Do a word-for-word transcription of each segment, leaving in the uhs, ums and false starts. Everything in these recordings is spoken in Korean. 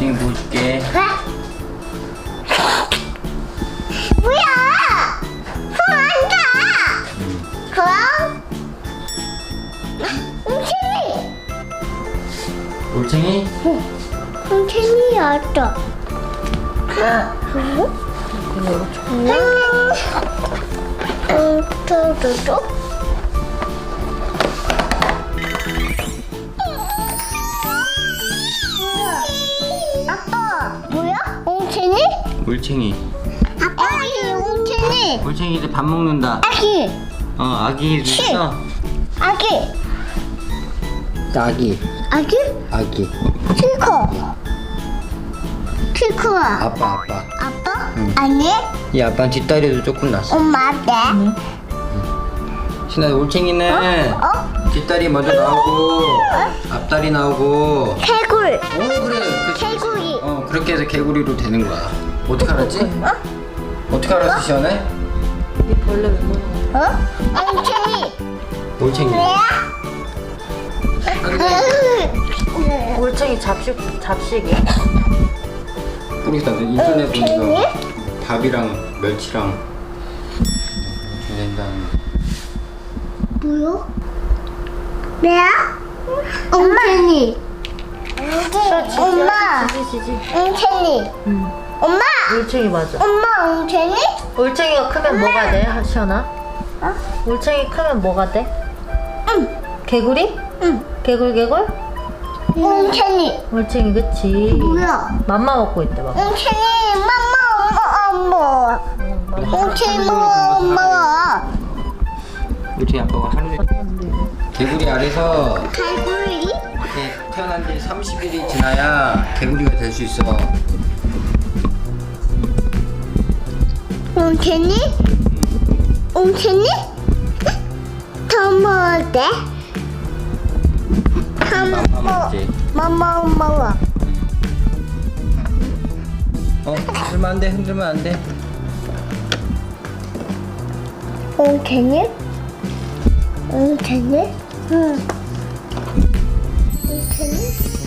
옹탱이 뭐 줄게. 뭐야? 손 안 가. 그럼 웅채니. 올챙이? 웅채니 왔다. 응? 응, 또또또. 아빠, 뭐야? 웅채니? 올챙이. 아빠, 이 웅채니. 올챙이 이제 밥 먹는다. 아기, 어, 아기 있어. 아기, 아기. 아기? 아기. 키커. 키커야. 아빠, 아빠. 아빠? 응. 아니? 이 아빠는 뒷다리도 조금 났어. 엄마 네. 신아, 올챙이는 어? 뒷다리 먼저 나오고 앞다리 나오고. 개굴. 어, 그래. 그, 개구리. 어, 그렇게 해서 개구리로 되는 거야. 어떻게 알았지? 어떻게 알았어, 시원해? 이 벌레 왜 먹는 거야? 어? 엉덩이. 올챙이. 올챙이 잡식 잡식이야? 우리가 인터넷 보면서 올챙이? 밥이랑 멸치랑 된다는. 뭐야? 뭐야? 엉덩이. 엄마. 지지 지지. 엉덩이. 응. 엄마. 올챙이 맞아. 엄마 엉덩이? 올챙이가 크면 뭐가 돼, 시연아? 어? 올챙이 크면 뭐가 돼? 응. 개구리? 응. 개굴 개굴? 엉덩이. 올챙이 그치? 뭐야? 맘마 먹고 있대 봐. 엉덩이. 엄마 엄마 엄마. 엉덩이 엄마. 올챙이 아빠가 하루에 개구리 알에서 개구리? 이렇게 태어난 지 삼십 일이 지나야 개구리가 될 수 있어. 엉덩이? 엉덩이? 더 먹을 때? 맘마 먹지. 맘마 먹어. 어, 흔들면 안 돼, 흔들면 안 돼. 엉덩이? 엉덩이? 응. 엉덩이?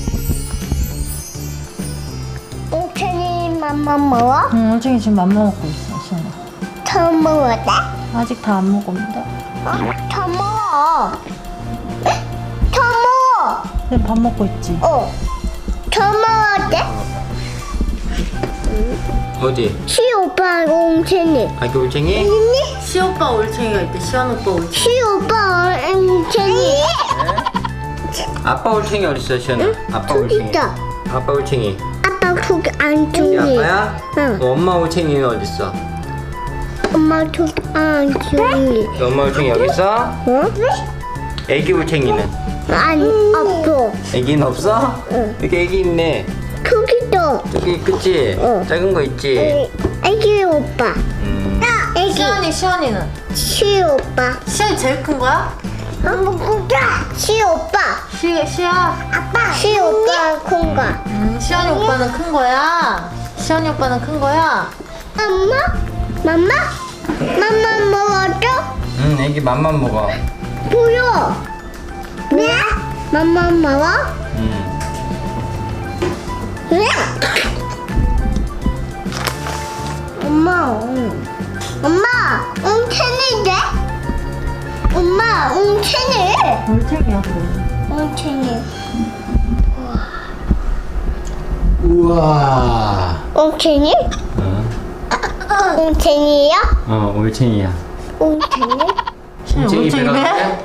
엉덩이 맘마 먹어? 응, 올챙이 지금 맘마 먹고 있어, 시연아. 더 먹을 때? 아직 다 안 먹었는데. 어? 더 먹어. 더 먹어. 그냥 밥 먹고 있지. 어. 더 먹을 때? 어디? 시 오빠 엉덩이. 아기 올챙이? 있니? 시오빠 올챙이가 있대. 시연 오빠 올챙이. 시 오빠 엉덩이. 아빠 올챙이 어딨어, 시연아? 아빠 저기 올챙이. 있다. 아빠 올챙이. 아빠 저기 안쪽에. 이 아빠야? 응. 어, 엄마 올챙이는 어딨어? 엄마 저기 안쪽에. 엄마 올챙이 여기 있어? 어? 애기 올챙이는? 아니 없어. 애기는 없어? 응. 여기 애기 있네. 저기도. 저기 그치? 응. 작은 거 있지? 애기 오빠. 음. 애기. 시연이 시연이는? 시 오빠. 시연이 제일 큰 거야? 시 오빠. 시 시야. 아빠. 시 오빠 큰 거. 음, 시연이 오빠는 큰 거야. 시연이 오빠는 큰 거야. 엄마? 맘마? 맘마 먹어줘? 응, 애기 맘만 먹어. 보여. 네? 맘마 먹어? 응. 네? 엄마, 응. 엄마, 웅채니인데? 엄마, 웅채니. 올챙이야, 그래. 웅채니. 우와. 웅채니? 어, 웅채니야? 어 올챙이야. 웅채니? 올챙이 올챙이 배가 배? 그래?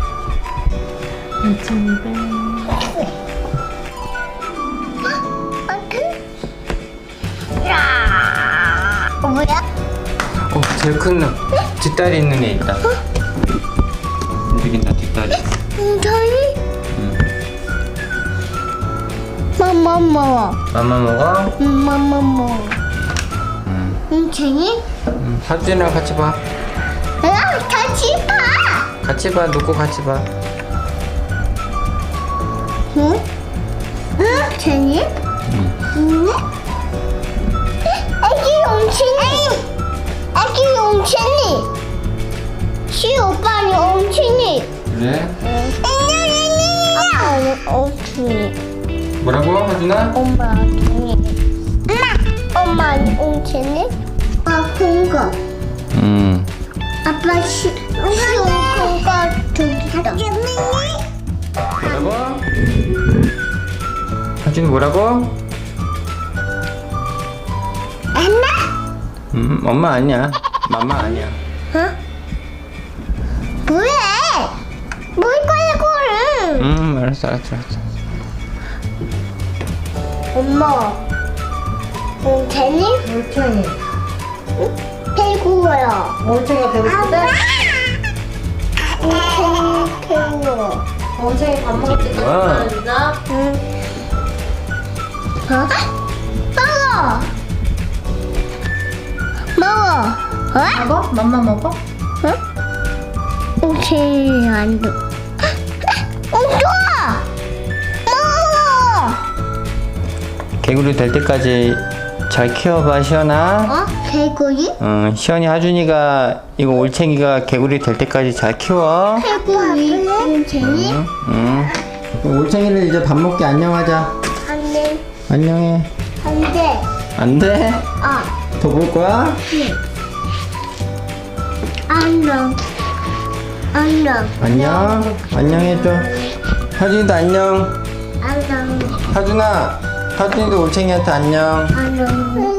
올챙이 배. 어, 뭐야? 어, 제일 큰 놈. 뒷다리 있는 애 있다. 움직인다, 뒷다리. 웅채니? 응. 맘마 먹어. 맘만 먹어? 응, 맘마 먹어. 응. 웅채니? 응. 사진이랑 같이 봐. 야, 같이 봐. 같이 봐, 놓고 같이 봐. 응? 응? 쟤니? 응. 응? 애기 옹치니. 애기 옹치니. 시 오빠는 옹치니. 그래? 아빠는 옹치니. 뭐라고, 하준아? 엄마 옹치니. 옹채니? 아빠 큰 거. 음. 아빠 시, 시온 큰거 저기 있다. 뭐라고? 하준이 뭐라고? 엄마? 음, 엄마 아니야. 맘마 아니야. 어? 뭐해? 뭘 거야 그거를? 음, 알았어, 알았어, 알았어. 엄마. 옹채니? 올챙이. 배구야. 올챙이가 배고프대? 옹채니 배구. 올챙이 밥 먹을 때 뭐야? 누나? 응. 어? 먹어. 먹어. 어? 먹어? 맘마 먹어? 응? 옹채니 안 줘. 어, 좋아. 먹어. 개구리 될 때까지 잘 키워봐, 시연아. 어? 개구리? 어, 시연이 하준이가 이거 올챙이가 개구리 될 때까지 잘 키워. 개구리. 옹채니? 응? 응. 그럼 올챙이를 이제 밥 먹게 안녕하자. 안 돼. 안녕해. 안 돼. 안 돼? 어. 더 볼 거야? 안녕. 안녕. 안녕. 안녕해줘. 하준이도 안녕. 안녕. 하준아, 하준이도 올챙이한테 안녕. 안녕.